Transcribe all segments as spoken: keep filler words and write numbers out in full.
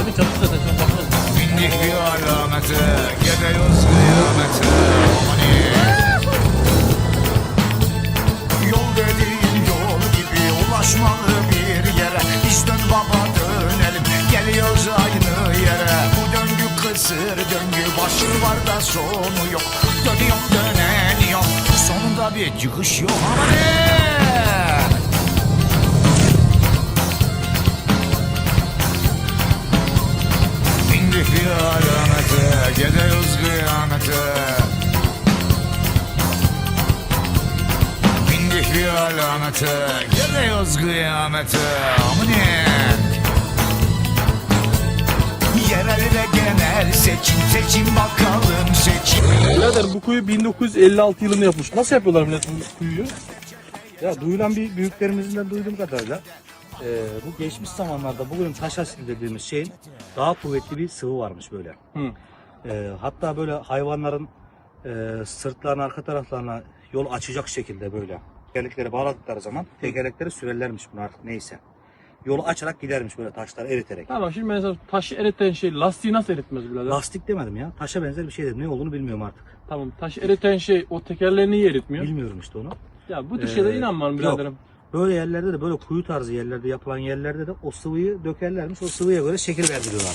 Zaten çatı zaten şu an bakalım. Bindik bir alamete, gidiyoruz kıyamete. Amani. Yol dediğin yol gibi ulaşmalı bir yere. Biz dön baba dönelim, geliyoruz aynı yere. Bu döngü kısır döngü, başı var da sonu yok. Dönüyorum döneniyorum, sonunda bir çıkış yok. Amani. Bindik bir alamete, gidiyoruz kıyamete. Bindik bir alamete, gidiyoruz kıyamete. Aminin. Yerel ve genel seçim, seçim bakalım seçim. Birader bu kuyu bin dokuz yüz elli altı yılında yapmış. Nasıl yapıyorlar millet bu kuyuyu? Ya duyulan bir büyüklerimizden duyduğum kadarıyla e, bu geçmiş zamanlarda bugün taş asidi dediğimiz şeyin daha kuvvetli bir sıvı varmış böyle. Hı. E, hatta böyle hayvanların e, sırtlarına arka taraflarına yol açacak şekilde böyle tekerlekleri bağladıkları zaman tekerlekleri sürerlermiş bunu artık neyse. Yolu açarak gidermiş böyle taşları eriterek. Tamam şimdi mesela taşı eriten şey lastiği nasıl eritmez birader? Lastik demedim ya. Taşa benzer bir şey dedim. Ne olduğunu bilmiyorum artık. Tamam taşı eriten şey o tekerleği niye eritmiyor? Bilmiyorum işte onu. Ya bu tür şeylere Ee, inanmam biraderim. yok. Böyle yerlerde de böyle kuyu tarzı yerlerde yapılan yerlerde de o sıvıyı dökerlermiş. O sıvıya göre şekil verdiriyorlar.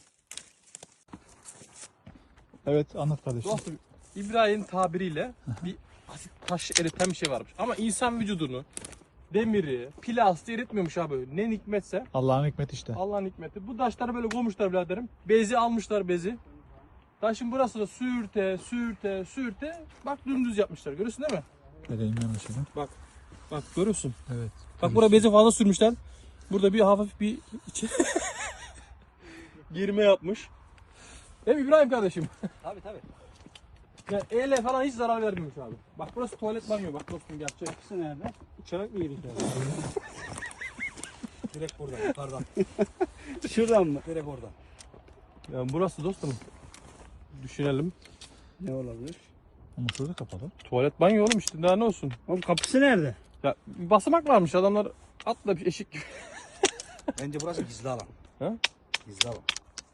Evet, anlat kardeşim. Dostum İbrahim'in tabiriyle bir asit taş eriten bir şey varmış. Ama insan vücudunu, demiri, plastiği eritmiyormuş abi. Ne hikmetse Allah'ın hikmeti işte. Allah'ın hikmeti. Bu taşları böyle koymuşlar biraderim. Bezi almışlar bezi. Taşın burası da sürte, sürte, sürte. Bak dümdüz yapmışlar. Görüyorsun değil mi? Vereyim ben o şeyi. Bak. Bak görüyorsun. Evet. Bak buraya bezi fazla sürmüşler. Burada bir hafif bir içi girme yapmış. Değil mi İbrahim kardeşim? Tabii tabii. Yani ele falan hiç zarar vermiyormuş abi. Bak burası tuvalet banyo bak dostum gerçek. İkisi nerede? Uçarak mı yedik abi? Direkt buradan yukarıdan. Şuradan mı? Direkt oradan. Yani burası dostum. Düşünelim. Ne olabilir? Ama şurada kapalı. Tuvalet banyo oğlum işte daha ne olsun. Oğlum kapısı nerede? Ya bir basamak varmış adamlar atla bir eşik gibi. Bence burası gizli alan. Ha? Gizli alan.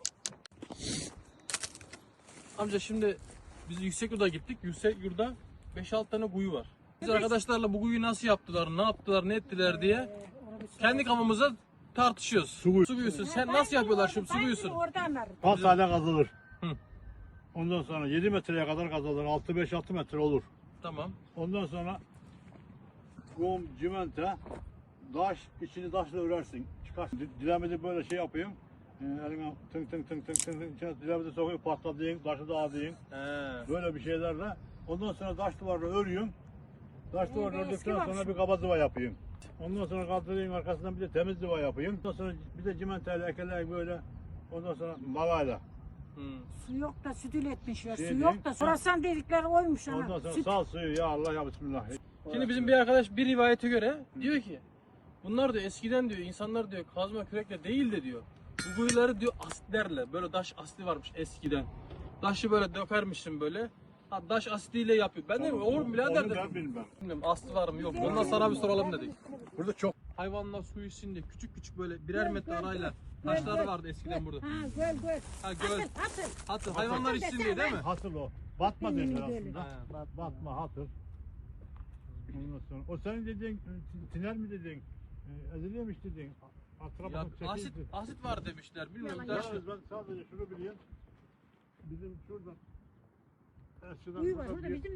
Amca şimdi biz Yüksekyurt'a gittik. Yüksekyurt'ta beş altı tane kuyu var. Biz arkadaşlarla bu kuyuyu nasıl yaptılar, ne yaptılar, ne ettiler diye kendi kafamıza tartışıyoruz. Su, kuyu. su kuyusu. Sen nasıl yapıyorlar şimdi su kuyusunu? Kaç tane kazılır? Hı. Ondan sonra yedi metreye kadar kazılır. altı beş altı metre olur. Tamam. Ondan sonra kum, cimente, taş, içini taşla örersin. Çıkar. Dilemede böyle şey yapayım. Ee, eline tınk tınk tınk tınk tınk tınk dilemede sokuyor, patlatayım, taşı dağıtayım. He. Böyle bir şeylerle. Ondan sonra taş duvarla örüyorum. Taş duvarla eski ördükten var sonra şu. bir kaba zıva yapayım. Ondan sonra kaldırayım arkasından bir de temiz zıva yapayım. Ondan sonra bir de cimenteyle ekeleyim böyle. Ondan sonra malayla. Hı. Su yok da süt üretmişler. Şey Su diyeyim. yok da sorasan dedikleri oymuş Ondan ana. sonra Süt. sal suyu ya Allah ya Bismillah. Şimdi bizim bir arkadaş bir rivayete göre diyor ki bunlar diyor eskiden diyor insanlar diyor kazma kürekle değil de diyor bu kuyuları diyor asitlerle böyle taş asidi varmış eskiden. Taşı böyle dökermişsin böyle. Ha taş asidiyle yapıyor. Ben de oğlum birader Onu dedim. ben bilmem. Bilmiyorum aslı var mı yok mu? Ondan sana bir soralım dedik. Burada çok Hayvanlar su içsin diye küçük küçük böyle birer metre arayla taşlar vardı eskiden burada. Ha göl göl. Ha göl. Hatır hatır. Hatır hayvanlar içsin diye değil mi? hatır o. Batma derler aslında. Ha. Bat, batma hatır. Ondan sonra o senin dediğin e, tiner mi dediğin? E, eziliyormuş dediğin. Atrap Ya atıp asit çekildi. asit var demişler. Bilmiyorum Yalan, taş. Yalnız ben sadece şunu bileyim. Bizim şuradan Eskiden Kuyu var burada orada bir, bizim